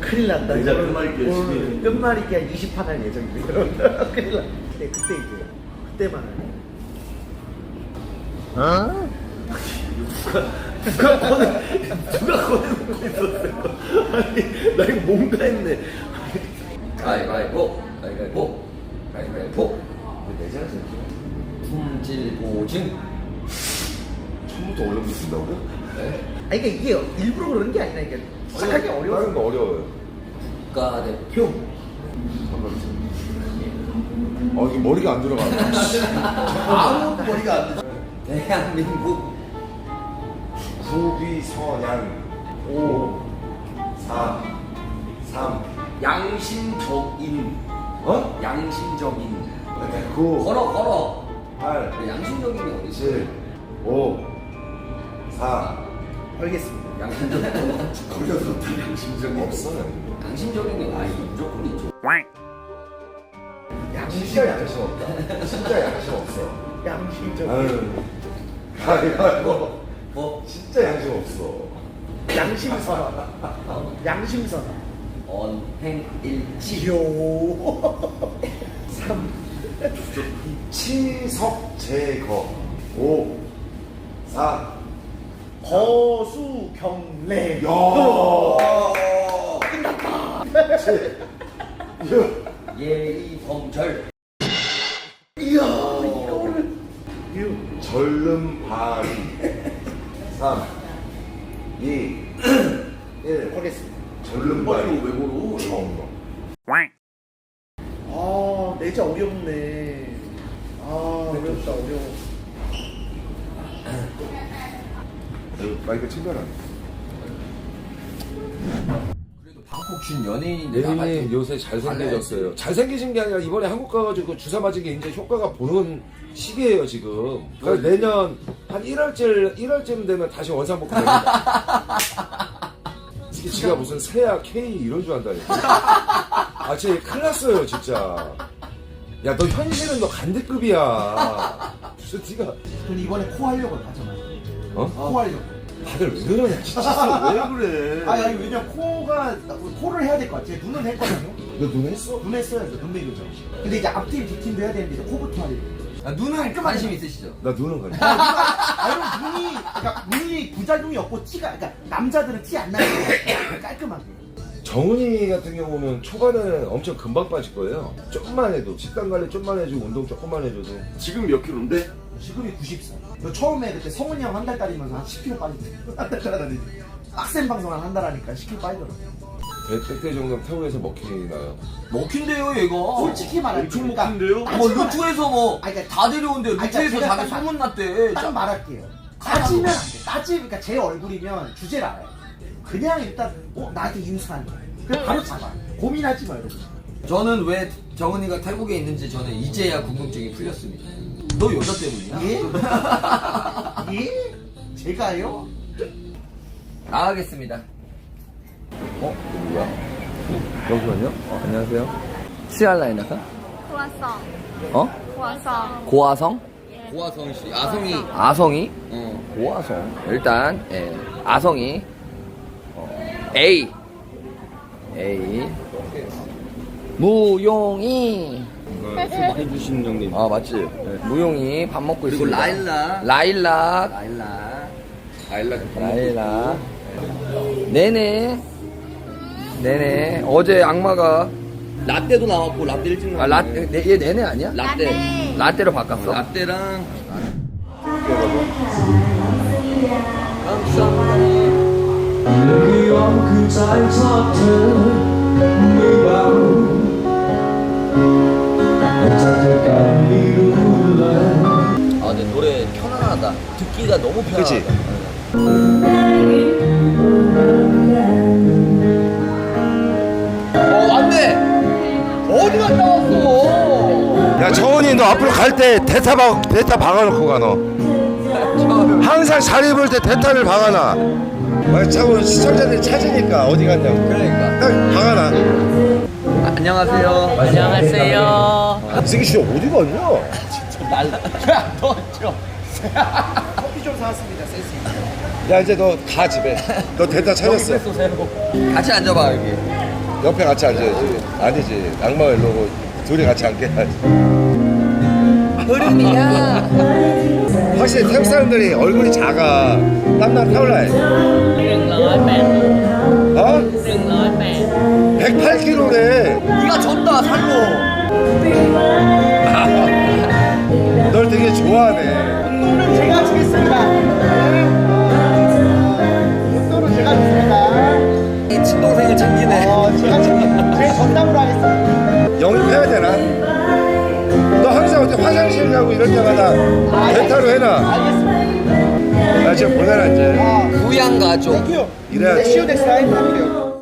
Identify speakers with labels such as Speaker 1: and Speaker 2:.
Speaker 1: 큰일 난다.
Speaker 2: 이제 끝말잇기
Speaker 1: 오늘 끝말잇기 한 20판 할 예정입니다. 큰일 났다. 네, 그때 이제 그때만 할. 누가 꺼내놓고 있었어요? 아니 나 이거 뭔가 했네.
Speaker 3: 가위바위보, 가위바위보, 가위바위보.
Speaker 2: 내자라
Speaker 3: 품질보증.
Speaker 2: 처음부터 어려운 게 쓴다고?
Speaker 3: 네.
Speaker 1: 아니 그러니까 이게 일부러 그런 게 아니라 이게 시작하기
Speaker 2: 다른
Speaker 1: 어려워.
Speaker 2: 거 어려워요.
Speaker 3: 국가대표.
Speaker 2: 잠깐만. 이게 머리가 안 들어가.
Speaker 3: 아무 머리가 안 되죠. 대한민국
Speaker 2: 구비선양 5 4 3
Speaker 3: 양심적인. 양심적인.
Speaker 2: 9
Speaker 3: 걸어.
Speaker 2: 8
Speaker 3: 양심적인 게 어디 있어?
Speaker 2: 7 5 4
Speaker 1: 알겠습니다.
Speaker 3: 양심적인 거 걸려서 양심적인
Speaker 2: 없어요.
Speaker 3: 양심적인 게 무조건 있죠.
Speaker 2: 진짜 양심 없다. 진짜 양심 없어.
Speaker 1: 양심적.
Speaker 2: 아유. 가위바위보.
Speaker 3: 뭐
Speaker 2: 진짜 양심 없어.
Speaker 1: 양심선언. 양심선언.
Speaker 3: 언행일치.
Speaker 1: 요. 3
Speaker 2: 치석 제거 5 4
Speaker 1: 거수 경례.
Speaker 2: 야.
Speaker 1: 끝났다.
Speaker 2: 7 6
Speaker 3: 예의범절.
Speaker 1: 이야 이거를 6
Speaker 2: 절름발이 3 2 1
Speaker 1: 하겠습니다.
Speaker 2: 절름발이
Speaker 3: 왜 고로?
Speaker 2: 처음 봐.
Speaker 1: 아 내자 어렵네. 아 어렵다 어려워.
Speaker 2: 마이크 챙겨라.
Speaker 3: 그래도 방콕 준 연예인인데
Speaker 4: 예민이 요새 잘생겨졌어요. 잘생기신 게 아니라 이번에 한국 가가지고 주사 맞은 게 이제 효과가 보는 시기예요 지금. 그러니까 내년 한 1월쯤 되면 다시 원상복구 됩니다. 지가 무슨 세아 K 이런 줄 안다니까. 쟤 큰일 났어요 진짜. 야 너 현실은 너 간대급이야. 무슨 네가
Speaker 1: 근데 이번에 코 하려고 하잖아. 코 하려고.
Speaker 4: 다들 왜 그러냐 진짜. 왜 그래?
Speaker 1: 아니 왜냐 코가 코를 해야 될 것 같아. 눈은 했거든요.
Speaker 4: 너 눈 했어?
Speaker 1: 눈 했어야죠. 눈 매교죠. 근데 이제 앞팀 뒷팀도 해야 되는데 이제 코부터 하려고.
Speaker 3: 눈은 관심 있으시죠?
Speaker 4: 나 눈은 가지.
Speaker 1: 아, 눈이 그러니까 눈이 부작용이 없고 티가 그러니까 남자들은 티 안 나게 깔끔하게.
Speaker 4: 정은이 같은 경우는 초반에 엄청 금방 빠질 거예요. 조금만 해도 식단 관리 좀만 해주고 운동 조금만 해줘도.
Speaker 2: 지금 몇 킬로인데?
Speaker 1: 지금이 94. 저 처음에 그때 성훈이 형 한 달 따리면서 한 10kg 빠졌어요. 한달 따라다니. 빡센 방송 한 달 하니까 10kg 빠지더라고요.
Speaker 4: 백대 정도면 태우에서 먹히나요?
Speaker 3: 먹힌대요 얘가.
Speaker 1: 솔직히 말할게.
Speaker 2: 엄청 먹힌데요?
Speaker 3: 뭐 루트에서 뭐
Speaker 1: 아니, 그러니까
Speaker 3: 다 데려온대.
Speaker 1: 아니,
Speaker 3: 루트에서
Speaker 1: 그러니까
Speaker 3: 자기
Speaker 1: 제가
Speaker 3: 소문났대.
Speaker 1: 딱 말할게요. 따지면 안 돼. 그러니까 제 얼굴이면 주제를 알아요. 그냥 일단 나한테 인수하는 거야. 그냥 바로 잡아. 고민하지 마 여러분.
Speaker 3: 저는 왜 정은이가 태국에 있는지 저는 이제야 궁금증이 풀렸습니다. 너 여자 때문이야?
Speaker 1: 예? 예? 제가요?
Speaker 3: 나가겠습니다.
Speaker 4: 누구야? 잠시만요. 안녕하세요.
Speaker 3: 치알라이나카?
Speaker 5: 고아성. 고아성.
Speaker 3: 고아성? 고아성 씨. 아성이. 아성이? 고아성. 일단 아성이 A. 무용이.
Speaker 4: 해주신 형님.
Speaker 3: 아 맞지. 무용이 밥 먹고 있습니다. 라일락. 네네. 어제 악마가 라떼도 나왔고 라떼 일찍 나왔고. 얘 네네 아니야?
Speaker 5: 라떼.
Speaker 3: 라떼로 바꿨어. 라떼랑. 아 근데 노래 편안하다. 듣기가 너무 편하다.
Speaker 4: 그치?
Speaker 3: 왔네. 어디 갔다 왔어?
Speaker 4: 야 정은이 너 앞으로 갈 때 대타 박아놓고 가 너. 항상 잘 입을 때 대타를 박아놔. 자꾸 시청자들이 찾으니까 어디 갔냐고.
Speaker 3: 그러니까.
Speaker 4: 딱 박아놔.
Speaker 3: 안녕하세요.
Speaker 5: 안녕하세요.
Speaker 4: 이 새끼 진짜 어디 갔냐?
Speaker 3: 너 저.
Speaker 1: 커피 좀 사왔습니다. 센스.
Speaker 4: 야 이제 너 가 집에. 너 대타 찾았어.
Speaker 3: 같이 앉아봐 여기.
Speaker 4: 옆에 같이 앉아야지. 아니지. 악마가 일로 오고 둘이 같이 앉게야지.
Speaker 3: 흐름이야.
Speaker 4: 확실히 태국 사람들이 얼굴이 작아. 땀나 타올라해.
Speaker 5: 108
Speaker 4: 어?
Speaker 5: 108
Speaker 4: 108kg래.
Speaker 3: 네가 졌다 살로.
Speaker 4: 널 되게 좋아하네.
Speaker 1: 운동은 제가 주겠습니다. 운동은 제가 주겠습니다.
Speaker 3: 이 친동생을 챙기네.
Speaker 1: 제가 제 전담으로 하겠습니다.
Speaker 4: 영입해야 되나? 너 항상 어디 화장실 가고 이럴 때마다 멘탈로 해놔.
Speaker 1: 알겠습니다.
Speaker 4: 나 지금 보내라 이제.
Speaker 3: 부양 가족.
Speaker 1: 땡큐.
Speaker 4: 이래야지.
Speaker 1: See you next time.